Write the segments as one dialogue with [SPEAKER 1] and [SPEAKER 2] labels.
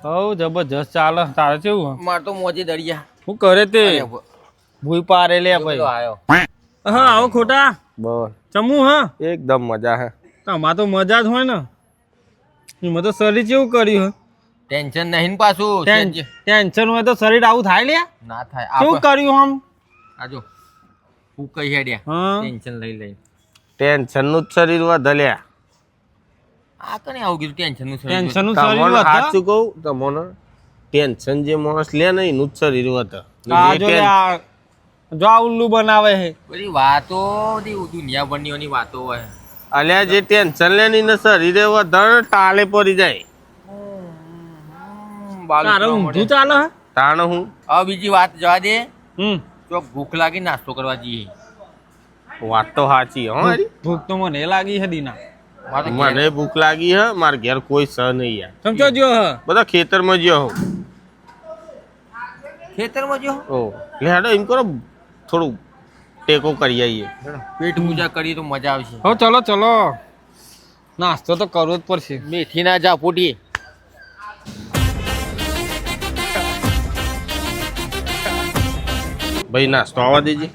[SPEAKER 1] હવ જબરજસ્ત ચાલે. તારે કેવું?
[SPEAKER 2] માર તો મોજે દરિયા.
[SPEAKER 1] હું કરે તે ભૂઈ પારે લે ભાઈ.
[SPEAKER 2] આયો
[SPEAKER 1] હા આવો ખોટા
[SPEAKER 3] બોલ
[SPEAKER 1] ચમુ હા
[SPEAKER 3] એકદમ મજા હે.
[SPEAKER 1] તમાર તો મજા જ હોય ને. એમાં તો શરીર કેવું કર્યું હે?
[SPEAKER 2] ટેન્શન નહીં ને પાછું.
[SPEAKER 1] ટેન્શન હોય તો શરીર આવું થાય લે.
[SPEAKER 2] ના થાય.
[SPEAKER 1] કેવું કર્યું આમ?
[SPEAKER 2] આજો હું કઈ હેડ્યા
[SPEAKER 1] હા
[SPEAKER 2] ટેન્શન લઈ
[SPEAKER 3] ટેન્શન નું જ શરીર વધલ્યા.
[SPEAKER 2] આ કને આવું કીધું ટેન્શન નું
[SPEAKER 1] ટેન્શન નું શરીર
[SPEAKER 3] તમને
[SPEAKER 1] વધે.
[SPEAKER 3] સાચું કહું તમને ટેન્શન જે માણસ લે ને એનું જ શરીર વધે.
[SPEAKER 1] આ જો લે આ જો આ ઉલ્લુ બનાવે છે.
[SPEAKER 2] બધી વાતો દુનિયાભરની વાતો હોય.
[SPEAKER 3] અલ્યા જે ટેન્શન લે ને એના શરીરે વધે ટાલે પડી જાય.
[SPEAKER 1] તારે ઊંધું ચાલે હે?
[SPEAKER 3] તાણ હું
[SPEAKER 2] હવે બીજી વાત જવા દે.
[SPEAKER 1] હમ
[SPEAKER 2] તો ભૂખ લાગી નાસ્તો કરવા જઈએ.
[SPEAKER 3] વાત તો સાચી હો મારી.
[SPEAKER 1] ભૂખ તો મને લાગી છે દીના.
[SPEAKER 3] મને ભૂખ લાગી હે. મારા ઘેર કોઈ સ નહીં યાર.
[SPEAKER 1] સમજો જો હ
[SPEAKER 3] બધા ખેતરમાં જ્યો હું.
[SPEAKER 2] ખેતરમાં જો
[SPEAKER 3] ઓ લે હેડો એમ કરો થોડું ટેકો કરી આવીએ.
[SPEAKER 2] પેટ પૂજા કરીએ તો મજા આવશે.
[SPEAKER 1] હો ચલો ચલો નાસ્તો તો કરવો જ પડશે.
[SPEAKER 2] મેથી ના જા ફૂટી.
[SPEAKER 3] ભાઈ નાસ્તો આવવા દેજે.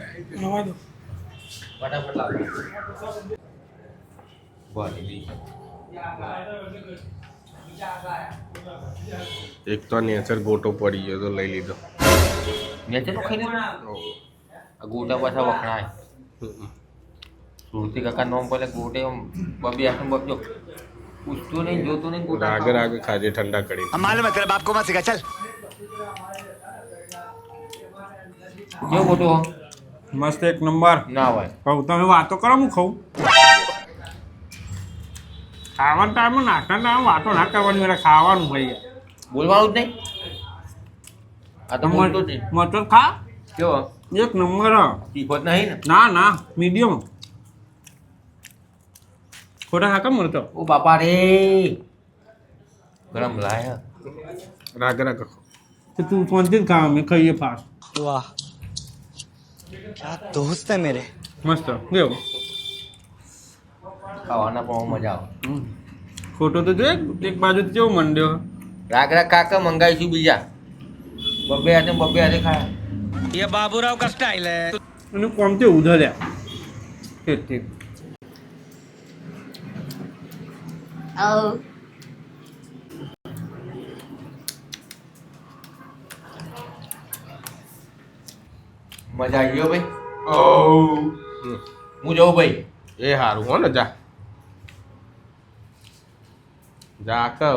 [SPEAKER 3] એક તો નેચર ગોટો પડી ગયો તો લઈ લીધો.
[SPEAKER 2] મેં ચલો ખાઈ લીધું. આ ગોટા પાછા વખણાય. સુરતી કાકા નોમ પડે ગોટે બબી આસમ બબજો પૂછતો નહીં જોતો નહીં ગોટા
[SPEAKER 3] આગળ આગળ ખાજે ઠંડા કરી.
[SPEAKER 4] मालूम है तेरे बाप को मत सिखा चल
[SPEAKER 2] કેવો ગોટો
[SPEAKER 1] મસ્ત એક નંબર.
[SPEAKER 2] ના હોય
[SPEAKER 1] કહું તમે વાતો કરો હું ખાઉં. ખાવાના ટાઈમે નાસ્તા ટાઈમે વાતો ના કરવાની મારે ખાવાનું ભાઈ.
[SPEAKER 2] બોલવાનું જ નહીં. આ તો બોલતો જ નહીં.
[SPEAKER 1] મટર ખા
[SPEAKER 2] કેવો
[SPEAKER 1] એક નંબર હ.
[SPEAKER 2] તીખો જ નહીં ને.
[SPEAKER 1] ના ના મીડિયમ. ખોટા ખાકા મળતો.
[SPEAKER 2] ઓ બાપા રે ગરમ લાય.
[SPEAKER 3] રાગ રાગ
[SPEAKER 1] તો તું શાંતિથી ખા અમે ખાઈએ ફાસ્ટ.
[SPEAKER 4] वाह क्या दोस्त है मेरे
[SPEAKER 1] મસ્ત કેવું?
[SPEAKER 2] ખાવાના પણ મજા આવે.
[SPEAKER 1] ખોટો તો જો એક બાજુ કેવો મંડ્યો.
[SPEAKER 2] રાગ રાગ કાકા મંગાવીશું બીજા. બબે હાથે ખાય.
[SPEAKER 4] ये बाबूराव का स्टाइल है
[SPEAKER 1] અને કોમ તે ઉધલ્યા ઠીક ઠીક.
[SPEAKER 2] મજા આવી ગયો ભાઈ. હું જઉં ભાઈ.
[SPEAKER 3] એ સારું હો ને જા જા કર.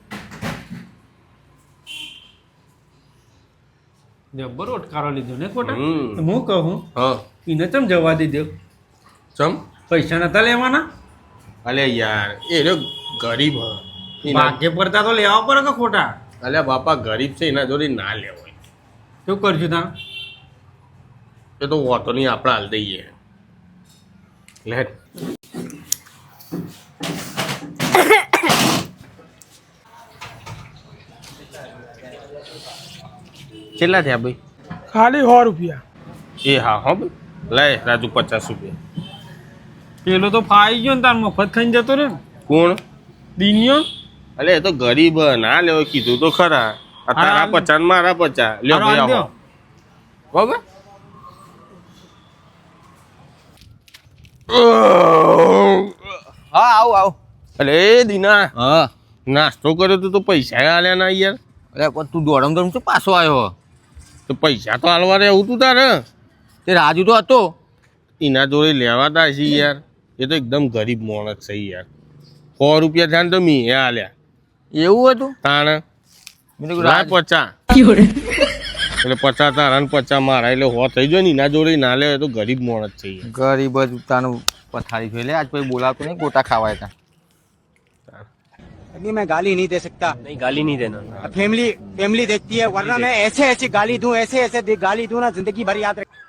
[SPEAKER 1] જબ્બર ઓટકારો લીધો ને ખોટા.
[SPEAKER 3] હમ.
[SPEAKER 1] હું કહું
[SPEAKER 3] હા
[SPEAKER 1] એને ચમ જવા દીધો.
[SPEAKER 3] ચમ
[SPEAKER 1] પૈસા નતા લેવાના.
[SPEAKER 3] અલે યાર એ રહ્યો ગરીબ હ.
[SPEAKER 1] ભાગ્ય પડતા તો લેવા પડે કે ખોટા.
[SPEAKER 3] અલ્યા બાપા ગરીબ છે એના જોડે ના લેવાય.
[SPEAKER 1] શું કરશું તા?
[SPEAKER 3] એ તો વાતો નહીં આપણે હાલ દઈએ લે. કેટલા થયા ભાઈ?
[SPEAKER 5] ખાલી 100 રૂપિયા.
[SPEAKER 3] એ હા હો ભાઈ લે રાજુ 50 રૂપિયા.
[SPEAKER 1] પેલો તો ફાઈ ગયો ને તાર મફત ખાઈને જતો રે.
[SPEAKER 3] કોણ?
[SPEAKER 1] દિનિયો.
[SPEAKER 3] અલે એ તો ગરીબ હ, ના લેવો કીધું તો ખરા. આ તારા 50 ને મારા 50 લ્યો ભાઈ આવો બરાબર.
[SPEAKER 2] હા આવ.
[SPEAKER 3] અલે દીના
[SPEAKER 2] હા
[SPEAKER 3] નાસ્તો કર્યો તો પૈસા આલ્યા ના યાર.
[SPEAKER 2] અરે પણ તું દોડમ દોડમ શું પાછો આવ્યો?
[SPEAKER 3] તો પૈસા તો હાલવા રહેવું તું તારે.
[SPEAKER 2] તે રાજુ તો હતો.
[SPEAKER 3] એના જોડે લેવાતા છે યાર. એ તો એકદમ ગરીબ માણસ છે યાર. 100 રૂપિયા થયા ને તો મી આલ્યા.
[SPEAKER 2] એવું હતું?
[SPEAKER 3] તાણ
[SPEAKER 2] મેં કીધું
[SPEAKER 3] રાજ
[SPEAKER 2] રાજ
[SPEAKER 3] 50 એટલે 50 તારા ને 50 મારા એટલે 100 થઈ જાય ને એના જોડે ના લે તો ગરીબ માણસ છે યાર.
[SPEAKER 2] ગરીબ જ તાનું પથારી જોઈ લે. આજ કોઈ બોલાવતો નહીં ગોટા ખાવાય તા.
[SPEAKER 4] अभी मैं गाली नहीं दे सकता
[SPEAKER 3] નહીં ગાલી નહીં દેના.
[SPEAKER 4] फैमिली फैमिली देखती है वरना मैं ऐसे ऐसे गाली दूं ऐसे ऐसे गाली दूं ना जिंदगी भर याद रख